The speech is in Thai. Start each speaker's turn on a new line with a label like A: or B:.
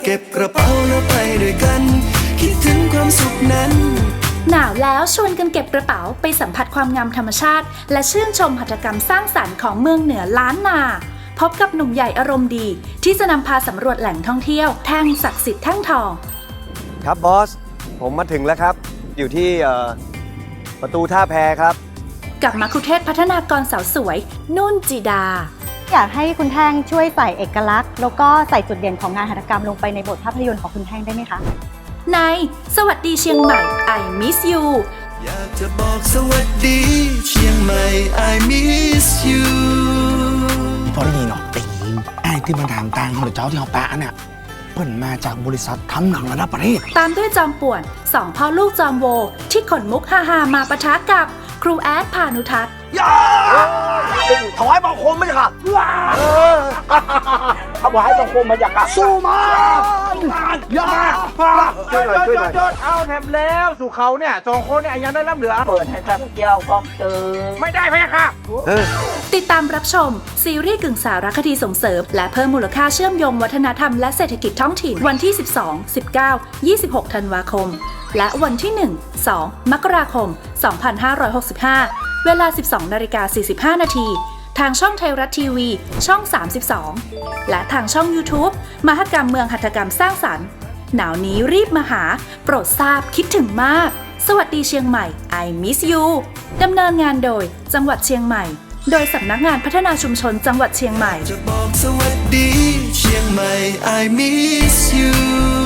A: เก็บกระเป๋าแล้วไปด้วยกันคิดถึงความสุขนั้น
B: หนาวแล้วชวนกันเก็บกระเป๋าไปสัมผัสความงามธรรมชาติและชื่นชมหัตถกรรมสร้างสรรค์ของเมืองเหนือล้านนาพบกับหนุ่มใหญ่อารมณ์ดีที่จะนำพาสำรวจแหล่งท่องเที่ยวแท่งศักดิ์สิทธิ์แท่งทอง
C: ครับบอสผมมาถึงแล้วครับอยู่ที่ประตูท่าแพครับ
B: กับมัคคุเทศก์พัฒนากรสาวสวยนุ่นจิดา
D: อยากให้คุณแท่งช่วยใส่เอกลักษณ์แล้วก็ใส่จุดเด่นของงานหัตถกรรมลงไปในบทภาพยนตร์ของคุณแท่งได้ไหมคะ
B: ในสวัสดีเชียงใหม่ I miss you
A: อยากจะบอกสวัสดีเชียงใหม่ I miss you
E: พอได้ยินหรอตีนไอ้ที่มันถามตังค์ของเจ้าที่เขาแปะเนี่ยเพิ่นมาจากบริษัททำหนังระดับประเทศ
B: ตามด้วยจอมป่วนสองพ่อลูกจอมโวที่ขนมุกฮาๆมาปะทะกับครูแอดพานุทัศน์
E: ถวายบังคมไม่ใช่ค่ะถวายบังคมมาจากสู้มาอย่า
F: ช่วยหน่อยเอาแถมแล้วสู่เขาเนี่ยสองคนเนี่ยยังได้รับเหลือเปิดให้ท่านเกี่ยวกองเติมไม่ได้ไหมค่ะ
B: ติดตามรับชมซีรีส์กึ่งสารคดีส่งเสริมและเพิ่มมูลค่าเชื่อมโยงวัฒนธรรมและเศรษฐกิจท้องถิ่นวันที่ 12, 19, 26 ธันวาคมและวันที่ 1, 2 มกราคม 2565 เวลา 12:45 น.ทางช่องไทยรัฐทีวีช่อง 32 และทางช่อง YouTube มหกรรมเมืองหัตถกรรมสร้างสรรค์หนาวนี้รีบมาหาโปรดทราบคิดถึงมากสวัสดีเชียงใหม่ I miss you ดำเนินงานโดยจังหวัดเชียงใหม่โดยสำนักงานพัฒนาชุมชนจังหวัดเชียงใหม่
A: จะบอกสวัสดีเชียงใหม่ I miss you